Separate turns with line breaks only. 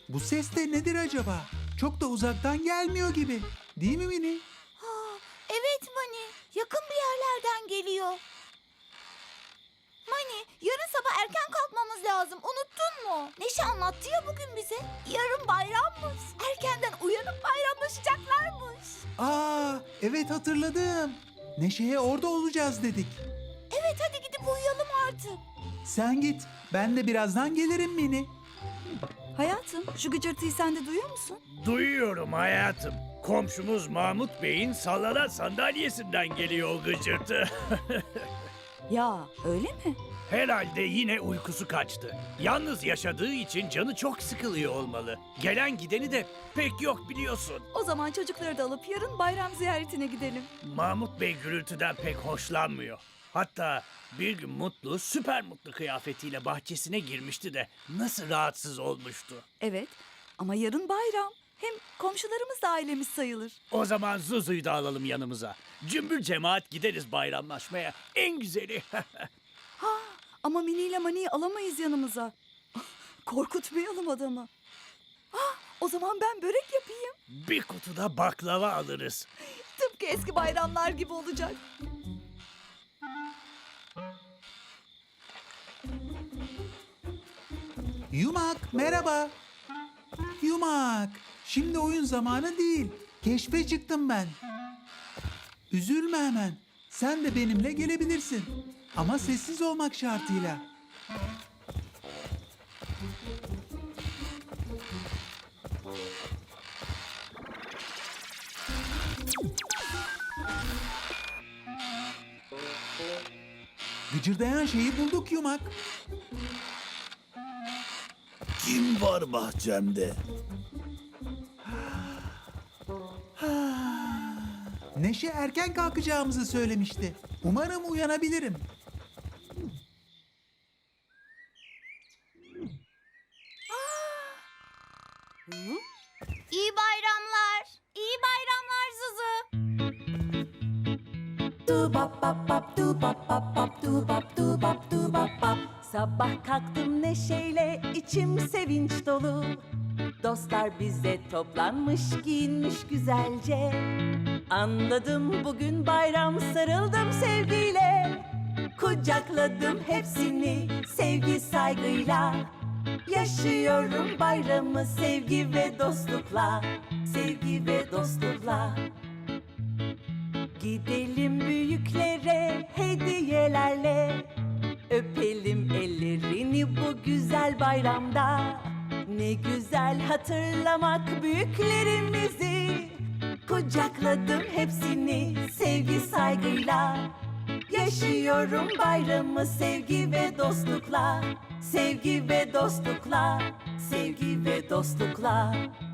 Bu ses de nedir acaba? Çok da uzaktan gelmiyor gibi. Değil mi Mini?
Ha, evet Mani, yakın bir yerlerden geliyor. Mani, yarın sabah erken kalkmamız lazım. Unuttun mu? Neşe anlattı ya bugün bize. Yarın bayrammış. Erkenden uyanıp bayramlaşacaklarmış.
Evet hatırladım. Neşe'ye orada olacağız dedik.
Evet, hadi gidip uyuyalım artık.
Sen git. Ben de birazdan gelirim Mini.
Hayatım, şu gıcırtıyı sen de duyuyor musun?
Duyuyorum hayatım. Komşumuz Mahmut Bey'in sallanan sandalyesinden geliyor o gıcırtı.
Ya, öyle mi?
Herhalde yine uykusu kaçtı. Yalnız yaşadığı için canı çok sıkılıyor olmalı. Gelen gideni de pek yok biliyorsun.
O zaman çocukları da alıp yarın bayram ziyaretine gidelim.
Mahmut Bey gürültüden pek hoşlanmıyor. Hatta bir gün Mutlu, süper mutlu kıyafetiyle bahçesine girmişti de nasıl rahatsız olmuştu.
Evet, ama yarın bayram. Hem komşularımız da ailemiz sayılır.
O zaman Zuzu'yu da alalım yanımıza. Cümbür cemaat gideriz bayramlaşmaya. En güzeli.
Ha, ama Mini ile Mani'yi alamayız yanımıza. Korkutmayalım adamı. O zaman ben börek yapayım.
Bir kutuda baklava alırız.
Tıpkı eski bayramlar gibi olacak.
Yumak, merhaba. Yumak, şimdi oyun zamanı değil. Keşfe çıktım ben. Üzülme hemen. Sen de benimle gelebilirsin. Ama sessiz olmak şartıyla. Gıcırdayan şeyi bulduk Yumak.
Kim var bahçemde?
Neşe erken kalkacağımızı söylemişti. Umarım uyanabilirim.
İyi bayramlar. İyi bayramlar Zuzu.
Sabah kalktım neşeyle, içim sevinç dolu. Dostlar bize toplanmış, giyinmiş güzelce. Anladım bugün bayram, sarıldım sevgiyle. Kucakladım hepsini sevgi saygıyla. Yaşıyorum bayramı sevgi ve dostlukla. Sevgi ve dostlukla. Gidelim büyüklere hediyelerle. Öpelim ellerini bu güzel bayramda. Ne güzel hatırlamak büyüklerimizi. Kucakladım hepsini sevgi saygıyla. Yaşıyorum bayramı sevgi ve dostlukla. Sevgi ve dostlukla. Sevgi ve dostlukla.